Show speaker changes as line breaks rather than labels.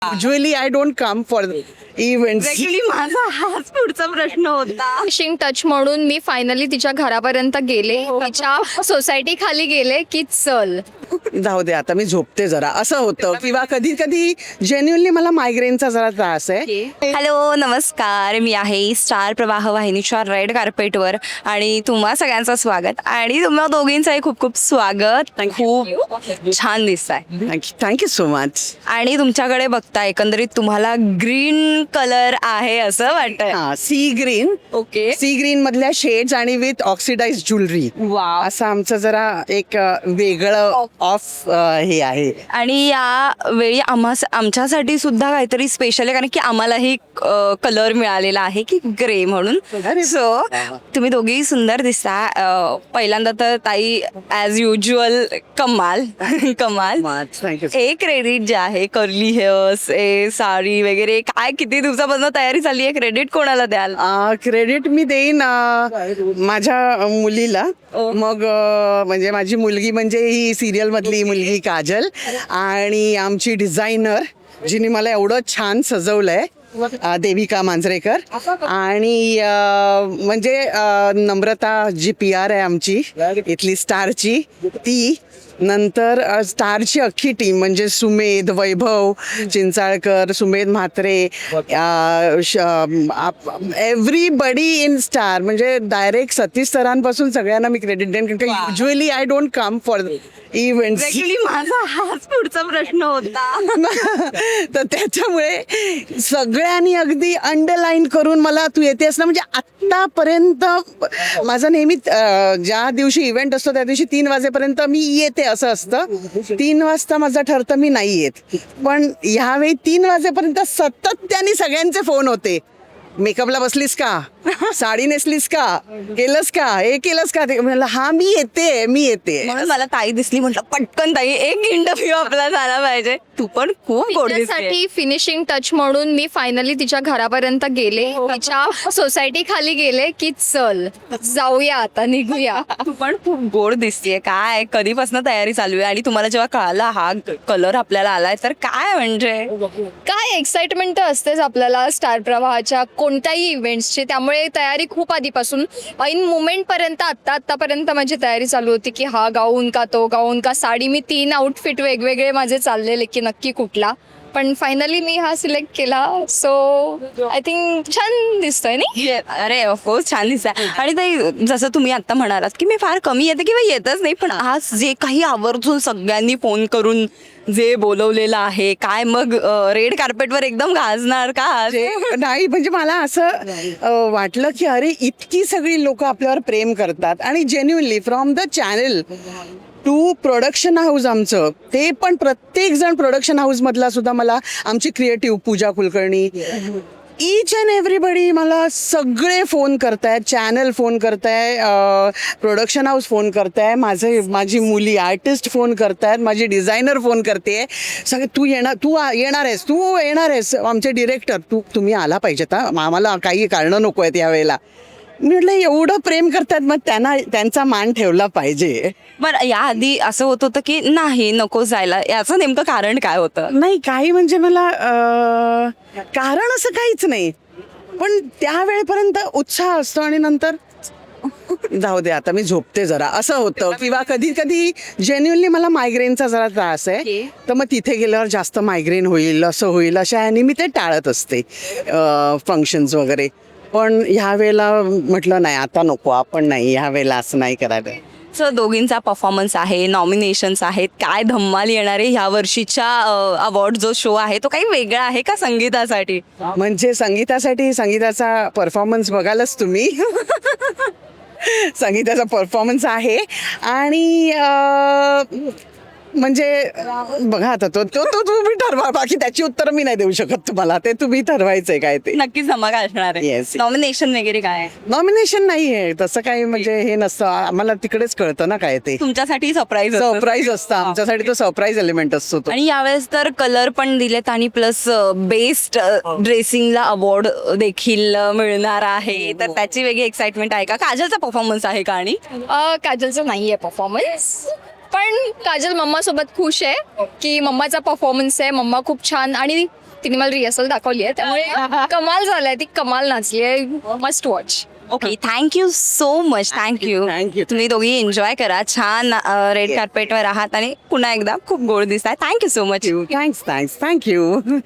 Usually I don't come for events.
Actually माझा हाच पुढचा प्रश्न होता.
फिशिंग टच म्हणून मी फायनली तिच्या घरापर्यंत गेले, तिच्या सोसायटी खाली गेले की चल.
जाऊ दे आता मी झोपते जरा असं होतं किंवा कधी कधी जेन्युअनली मला मायग्रेनचा जरा त्रास आहे.
हॅलो नमस्कार, मी आहे स्टार प्रवाह वाहिनीच्या रेड कार्पेटवर आणि तुम्हा सगळ्यांचं स्वागत आणि तुम्हा दोघींचंही खूप खूप स्वागत. खूप छान दिसताय
थँक्यू सो मच.
आणि तुमच्याकडे बघता एकंदरीत तुम्हाला ग्रीन कलर आहे असं वाटतंय.
हा sea green.
Okay.
Sea green मधल्या शेड्स आणि विथ ऑक्सिडाइज ज्वेलरी.
वाव.
असं आमचं जरा एक वेगळं ऑफ हे आहे.
आणि या वेळी आमच्यासाठी सुद्धा काहीतरी स्पेशल आहे कारण की आम्हालाही कलर मिळालेला आहे की ग्रे म्हणून.
अरे
सो तुम्ही दोघी सुंदर दिसता. पहिल्यांदा तर ताई ॲज युजल कमाल कमाल.
थँक्यू.
एक क्रेडिट जे आहे कर्ली हेअर्स साडी वगैरे काय किती दिवसापासून तयारी झाली आहे, क्रेडिट कोणाला द्याल?
क्रेडिट मी देईन माझ्या मुलीला. मग म्हणजे माझी मुलगी म्हणजे ही सिरियल मधली मुलगी काजल आणि आमची डिझायनर जिने मला एवढं छान सजवलंय देविका मांजरेकर आणि म्हणजे नम्रता जी PR आहे आमची इथली स्टारची ती. नंतर स्टारची अख्खी टीम म्हणजे Sumedh, Vaibhav Chinchalkar, Sumedh Mhatre, everybody in Star. म्हणजे डायरेक्ट सतीश सरांपासून सगळ्यांना मी क्रेडिट देईन कारण की usually I don't come for events.
Actually माझा हाच पुढचा प्रश्न होता.
तर त्याच्यामुळे सगळ्यांनी अगदी अंडरलाईन करून मला तू येतेस ना. म्हणजे आत्तापर्यंत माझं नेहमी ज्या दिवशी इव्हेंट असतो त्या दिवशी 3 वाजेपर्यंत मी येते असं असतं. 3 वाजता माझं ठरतं मी नाही येत. पण ह्यावेळी 3 वाजेपर्यंत सातत्याने सगळ्यांचे फोन होते. मेकअपला बसलीस का, साडी नेसलीस का, केलंस का, हे केलंस का. ते म्हणलं हा मी येते.
म्हणून मला ताई दिसली, म्हटलं पटकन ताई एक इंटरव्ह्यू आपला झाला पाहिजे. तू पण खूप गोड दिसते.
तिच्यासाठी फिनिशिंग टच म्हणून मी फायनली तिच्या घरापर्यंत गेले, तिच्या सोसायटी खाली गेले की चल जाऊया आता निघूया.
तू पण खूप गोड दिसतेय. काय कधीपासून तयारी चालू आहे आणि तुम्हाला जेव्हा कळाला हा कलर आपल्याला आलाय तर काय म्हणजे
काय एक्साइटमेंट तर असतेच आपल्याला स्टार प्रवाहाच्या कोणत्याही इव्हेंट्सची. त्यामुळे तयारी खूप आधीपासून ऐन मुमेंट पर्यंत आतापर्यंत माझी तयारी चालू होती की हा गाऊन का तो गाऊन का साडी. मी 3 आउटफिट वेगवेगळे माझे चाललेले की नक्की कुठला. पण फायनली मी हा सिलेक्ट केला. सो आय थिंक छान दिसतोय नाही.
अरे ऑफकोर्स छान दिसतंय. आणि ताई जसं तुम्ही आता म्हणालात की मी फार कमी येते किंवा येतच नाही, पण आज जे काही आवर्जून सगळ्यांनी फोन करून जे बोलवलेलं आहे काय मग रेड कार्पेटवर एकदम गाजणार का आज?
नाही म्हणजे मला असं वाटलं की अरे इतकी सगळी लोक आपल्यावर प्रेम करतात आणि genuinely from the channel to production house आमचं ते पण प्रत्येक जण प्रोडक्शन हाऊस मधला सुद्धा मला आमची creative Pooja Kulkarni each and everybody मला सगळे फोन करतायत. चॅनल फोन करताय, प्रोडक्शन हाऊस फोन करताय, माझी मुली आर्टिस्ट फोन करतायत, माझी डिझायनर फोन करते. सगळे तू येणार आहेस आमचे डिरेक्टर तुम्ही आला पाहिजेत हा, आम्हाला काही कारणं नको आहेत यावेळेला. मी म्हटलं एवढं प्रेम करतात मग त्यांचा मान ठेवला पाहिजे.
बरं याआधी असं होत होतं की नाही नको जायला, याचं नेमकं कारण काय होतं?
नाही काही म्हणजे मला कारण असं काहीच नाही, पण त्या वेळेपर्यंत उत्साह असतो आणि नंतर जाऊ दे आता मी झोपते जरा असं होतं. किंवा कधी कधी जेन्युअनली मला मायग्रेनचा जरा त्रास आहे. तर मग तिथे गेल्यावर जास्त मायग्रेन होईल असं होईल अशा ह्यानी मी ते टाळत असते फंक्शन्स वगैरे. पण ह्या वेळेला म्हटलं नाही आता नको, आपण नाही ह्या वेळेला असं नाही करायला.
सो दोघींचा परफॉर्मन्स आहे, नॉमिनेशन्स आहेत, काय धम्माल येणार आहे ह्या वर्षीच्या अवॉर्ड जो शो आहे तो काही वेगळा आहे का संगीतासाठी?
म्हणजे संगीताचा परफॉर्मन्स बघालच तुम्ही. संगीताचा परफॉर्मन्स आहे आणि म्हणजे बघा आता तो तुम्ही ठरवा. बाकी त्याची उत्तरं मी नाही देऊ शकत तुम्हाला, ते तुम्ही ठरवायचंय काय ते.
नक्कीच धमाका असणार आहे.
Yes.
नॉमिनेशन वगैरे काय आहे?
नॉमिनेशन नाही आहे तसं काही, म्हणजे हे नसतं आम्हाला, तिकडेच कळतं ना काय ते.
तुमच्यासाठी सरप्राईज
असतं आमच्यासाठी, तो सरप्राईज एलिमेंट असतो तो.
आणि यावेळेस तर कलर पण दिलेत आणि प्लस बेस्ट ड्रेसिंगला अवॉर्ड देखील मिळणार आहे, तर त्याची वेगळी एक्साइटमेंट आहे का? काजलचा परफॉर्मन्स आहे का? आणि
काजलचं नाही आहे परफॉर्मन्स, पण काजल मम्मा सोबत खुश आहे की मम्माचा परफॉर्मन्स आहे. मम्मा खूप छान आणि तिने मला रिहर्सल दाखवली आहे, त्यामुळे कमाल झालाय, ती कमाल नाचली आहे, must watch.
Okay, thank you so much. Thank you.
Thank you.
तुम्ही दोघी एन्जॉय करा, छान रेड कार्पेटवर आहात आणि पुन्हा एकदा खूप गोड दिसताय. Thank you so much.
Thanks thanks thank you.